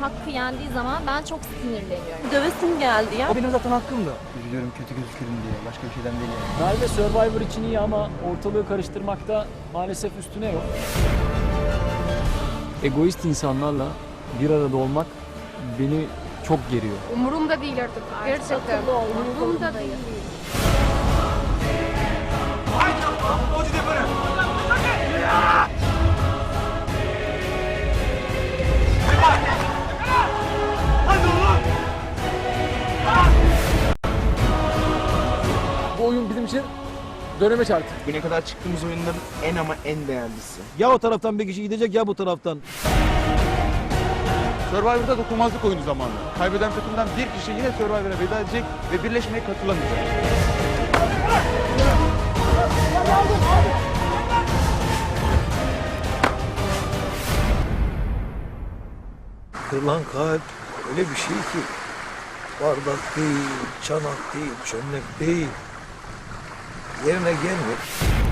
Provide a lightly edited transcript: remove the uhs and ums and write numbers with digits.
hakkı yendiği zaman ben çok sinirleniyorum. Dövesim geldi ya. O benim zaten hakkımdı. Üzülüyorum kötü gözükürüm diye. Başka bir şeyden değil yani. Merve Survivor için iyi ama ortalığı karıştırmakta maalesef üstüne yok. Egoist insanlarla bir arada olmak beni çok geriyor. Umurumda değil artık. Gerçekten. Umurumda değil. Bu oyun bizim için dönemeç artık. Bugüne kadar çıktığımız oyunların en ama en değerlisi. Ya o taraftan bir kişi gidecek ya bu taraftan. Survivor'da dokunmazlık oyunu zamanı. Kaybeden takımdan bir kişi yine Survivor'a veda edecek ve birleşmeye katılamayacak. Kırılan kalp öyle bir şey ki bardak değil, çanak değil, çömlek değil. Yerine gelmiyor.